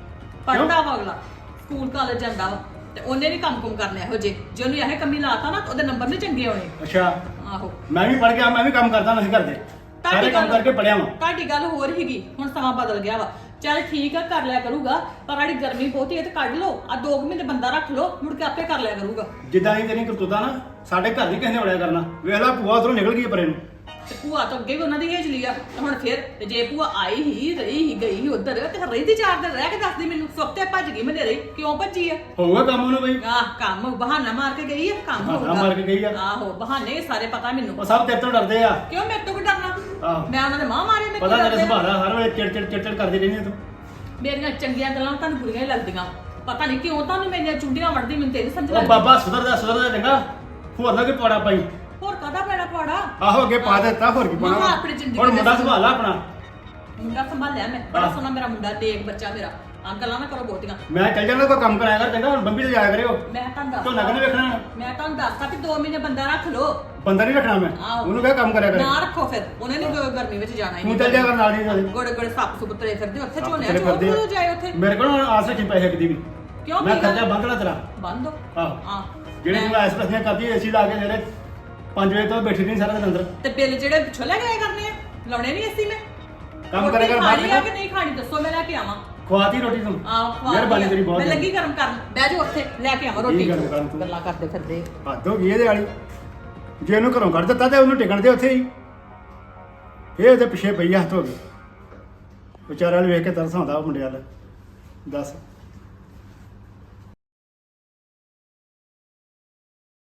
Speaker 3: ਪੜਦਾ ਵਾ ਅਗਲਾ, ਸਕੂਲ ਕਾਲਜ ਜਾਂਦਾ ਵਾ ਤੇ ਉਹਨੇ ਵੀ ਕੰਮ ਕੁਮ ਕਰਨੇ ਇਹੋ ਜੇ ਜੇ ਉਹਨੂੰ ਇਹ ਕੰਮੀ ਲਾਤਾ ਨਾ ਤਾਂ ਉਹਦੇ ਨੰਬਰ ਨਹੀਂ ਚੰਗੇ ਆਉਣੇ।
Speaker 5: ਅੱਛਾ
Speaker 3: ਆਹੋ
Speaker 5: ਮੈਂ ਵੀ ਪੜ ਗਿਆ, ਮੈਂ ਵੀ ਕੰਮ ਕਰਦਾ ਨਹੀਂ ਕਰਦੇ ਸਾਰੇ ਕੰਮ ਕਰਕੇ ਪੜਿਆ ਵਾਂ।
Speaker 3: ਤੁਹਾਡੀ ਗੱਲ ਹੋਰ ਹੀਗੀ, ਹੁਣ ਸਮਾਂ ਬਦਲ ਗਿਆ ਵਾ। ਚੱਲ ਠੀਕ ਆ ਕਰ ਲਿਆ ਕਰੂਗਾ, ਪਰ ਆੜੀ ਗਰਮੀ ਬਹੁਤੀ ਹੈ ਤੇ ਕੱਢ ਲਓ। ਆ ਦੋ ਕੁ ਮਹੀਨੇ ਬੰਦਾ ਰੱਖ ਲਓ, ਮੁੜ ਕੇ ਆਪੇ ਕਰ ਲਿਆ ਕਰੂਗਾ।
Speaker 5: ਜਿੱਦਾਂ ਹੀ ਤੇਰੀ ਕਰਤੂਤਾ ਨਾ ਸਾਡੇ ਘਰ ਦੀ ਕਿਸੇ ਨੇ ਵੜਿਆ ਕਰਨਾ। ਵੇਖ ਲੈ ਭੂਆ ਉਧਰੋਂ ਨਿਕਲ ਗਈ ਪਰੇ ਨੂੰ।
Speaker 3: ਤੇ ਭੂਆ ਤਾਂ ਅੱਗੇ ਵੀ ਉਹਨਾਂ ਦੀ ਹੇਜ ਲਈ ਆ ਤੇ ਹੁਣ ਫਿਰ ਤੇ ਜੇ ਭੂਆ ਆਈ ਹੀ ਰਹੀ ਹੀ ਗਈ ਹੀ ਉਧਰ ਤੇ ਰਹੀ ਦੀ ਚਾਰ ਦਿਨ ਰਹਿ ਕੇ ਦੱਸਦੀ ਮੈਨੂੰ ਸੁੱਤੇ ਭੱਜ ਗਈ ਮਨੇਰੇ। ਕਿਉਂ ਭੱਜੀ ਆ?
Speaker 5: ਹੋਊਗਾ ਕੰਮ ਉਹਨੂੰ ਬਈ।
Speaker 3: ਆਹ ਕੰਮ ਬਹਾਨਾ ਮਾਰ ਕੇ ਗਈ ਆ, ਕੰਮ
Speaker 5: ਬਹਾਨਾ
Speaker 3: ਹੋਊਗਾ।
Speaker 5: ਮਾਰ ਕੇ ਗਈ ਆ।
Speaker 3: ਆਹੋ ਬਹਾਨੇ ਸਾਰੇ ਪਤਾ ਮੈਨੂੰ।
Speaker 5: ਉਹ ਸਭ ਤੇਰੇ ਤੋਂ ਡਰਦੇ ਆ।
Speaker 3: ਕਿਉਂ ਮੇਰੇ ਤੋਂ ਕੀ ਡਰਨਾ?
Speaker 5: ਆਹੋ
Speaker 3: ਮੈਂ ਉਹਨਾਂ ਦੇ ਮਾਂ ਮਾਰੇ ਮੈਂ
Speaker 5: ਪਤਾ ਤੇਰੇ ਸੁਭਾਅ ਦਾ, ਹਰ ਵੇਲੇ ਚਿੜ ਚਿੜ ਚਿੜ ਚਿੜ ਕਰਦੀ ਰਹਿੰਦੀ ਆ ਤੂੰ।
Speaker 3: ਮੇਰੀਆਂ ਚੰਗੀਆਂ ਗੱਲਾਂ ਤੁਹਾਨੂੰ ਬੁਰੀਆਂ ਹੀ ਲੱਗਦੀਆਂ। ਪਤਾ ਨਹੀਂ ਕਿਉਂ ਤੁਹਾਨੂੰ ਮੇਰੀਆਂ ਚੁੰਡੀਆਂ ਵੜਦੀ, ਮੈਨੂੰ ਤੇ ਨਹੀਂ ਸਮਝ
Speaker 5: ਉਹ
Speaker 3: ਲੱਗਦੀ।
Speaker 5: ਬਾਬਾ ਸੁਧਰਦਾ ਸੁਧਰਦਾ ਚੰਗਾ, ਹੋਰ ਨਾ ਕੋਈ ਪਾੜਾ ਪਾਈ।
Speaker 3: ਹੋਰ ਕਾਹਦਾ ਪੈਣਾ ਪਾੜਾ?
Speaker 5: ਆਹੋ ਅੱਗੇ ਪਾ ਦਿੱਤਾ, ਹੋਰ ਕੀ ਪਾਣਾ।
Speaker 3: ਹਾਂ, ਆਪਣੀ ਜ਼ਿੰਦਗੀ
Speaker 5: ਹੁਣ
Speaker 3: ਦੇ
Speaker 5: ਮੁੰਡਾ
Speaker 3: ਵਿੱਚ-
Speaker 5: ਸੰਭਾਲ ਲਾ ਆਪਣਾ।
Speaker 3: ਮੁੰਡਾ ਸੰਭਾਲਿਆ ਮੈਂ, ਬੜਾ
Speaker 5: ਆਹ।
Speaker 3: ਸੋਹਣਾ ਮੇਰਾ ਮੁੰਡਾ, ਦੇਖ ਬੱਚਾ ਮੇਰਾ ਆ ਗੱਲਾਂ ਨਾ ਕਰੋ ਬਹੁਤੀਆਂ।
Speaker 5: ਮੈਂ ਚੱਲ ਜਾਣਾ ਕੋਈ ਕੰਮ ਕਰਾਇਆ ਕਰ ਚੰਗਾ ਹੁਣ ਬੰਬੀ ਤੇ ਜਾਇਆ ਕਰਿਓ
Speaker 3: ਮੈਂ ਤੁਹਾਨੂੰ ਦੱਸ
Speaker 5: ਝੋਨਾ ਕਿਹਨੇ ਵੇਖਣਾ
Speaker 3: ਮੈਂ ਤੁਹਾਨੂੰ ਦੱਸਤਾ ਕਿ ਦੋ ਮਹੀਨੇ ਬੰਦਾ ਰੱਖ ਲਓ।
Speaker 5: ਬੰਦਾ ਨਹੀਂ ਰੱਖਣਾ ਮੈਂ
Speaker 3: ਆਹੋ।
Speaker 5: ਉਹਨੂੰ ਕਿਹਾ ਕੰਮ ਕਰਿਆ ਕਰੇ
Speaker 3: ਨਾ ਰੱਖੋ ਫਿਰ ਉਹਨੇ ਨਹੀਂ ਗਰਮੀ ਵਿੱਚ ਜਾਣਾ ਹੀ
Speaker 5: ਤੂੰ ਚੱਲ ਜਾ ਕਰ ਨਾਲ ਦੀ
Speaker 3: ਗੋੜੇ ਗੋੜੇ ਸੱਪ ਸੁਪ ਤੁਰੇ ਫਿਰਦੇ ਉੱਥੇ
Speaker 5: ਸੱਪ
Speaker 3: ਝੋਨੇ
Speaker 5: ਤੁਰੇ ਫਿਰਦੇ ਆ।
Speaker 3: ਚੋਂ ਜਾਏ ਉੱਥੇ
Speaker 5: ਮੇਰੇ ਕੋਲ ਹੁਣ ਆਸ ਰੱਖੀ ਪੈਸੇ ਕਿਦੀ ਵੀ
Speaker 3: ਕਿਉਂ
Speaker 5: ਮੈਂ
Speaker 3: ਕੀ ਗੱਲ?
Speaker 5: ਖਰਚਾ ਬੰਦਣਾ ਤੇਰਾ
Speaker 3: ਬੰਦ ਹੋ
Speaker 5: ਆਹੋ
Speaker 3: ਹਾਂ
Speaker 5: ਜਿਹੜੇ
Speaker 3: ਮੈਂ-
Speaker 5: ਤੂੰ ਐਸ ਪ੍ਰශ්ਨ ਕਰਦੀ ਏਸੀ ਲਾ ਕੇ ਜਿਹੜੇ ਪੰਜ ਵਜੇ ਤੋਂ ਬੈਠੀ ਨਹੀਂ ਸਾਰਾ ਦਿਨ ਅੰਦਰ
Speaker 3: ਤੇ ਬਿੱਲ ਜਿਹੜੇ ਪਿੱਛੋਂ ਲੈ ਗਏ ਕਰਨੇ ਆ ਲਾਉਣੇ ਨਹੀਂ ਅਸੀਂ ਮੈਂ
Speaker 5: ਕੰਮ
Speaker 3: ਰੋਟੀ
Speaker 5: ਕਰੇਗਾ
Speaker 3: ਖਾਣੀ ਆ
Speaker 5: ਬਾਅਦ
Speaker 3: ਕਿ ਨਹੀਂ ਖਾਣੀ ਦੱਸੋ ਮੈਂ ਲੈ ਕੇ ਆਵਾਂ।
Speaker 5: ਖਵਾਤੀ ਰੋਟੀ ਤੂੰ
Speaker 3: ਆਹ
Speaker 5: ਮਿਹਰਬਾਨੀ ਤੇਰੀ ਬਹੁਤ
Speaker 3: ਮੈਂ
Speaker 5: ਹੈ।
Speaker 3: ਲੱਗੀ ਗਰਮ ਕਰਨ ਬਹਿ ਜਾਓ ਉੱਥੇ ਲੈ ਕੇ ਆਵਾਂ ਰੋਟੀ
Speaker 5: ਕੀ ਗਰਮ ਕਰਨ ਤੂੰ?
Speaker 3: ਗੱਲਾਂ ਕਰਦੇ ਫਿਰਦੇ
Speaker 5: ਹੱਦ ਹੋ ਗਈ ਇਹਦੇ ਵਾਲੀ ਜੇ ਇਹਨੂੰ ਘਰੋਂ ਕੱਢ ਦਿੱਤਾ ਤੇ ਉਹਨੂੰ ਟਿਕਣ ਦੇ ਉੱਥੇ ਹੀ ਇਹ ਉਹਦੇ ਪਿੱਛੇ ਪਈ ਹੱਥ ਹੋ ਗਏ ਵਿਚਾਰੇ ਵਾਲੇ ਵੇਖ ਕੇ ਤਰਸ ਆਉਂਦਾ ਉਹ ਮੁੰਡੇ ਵਾਲਾ ਦੱਸ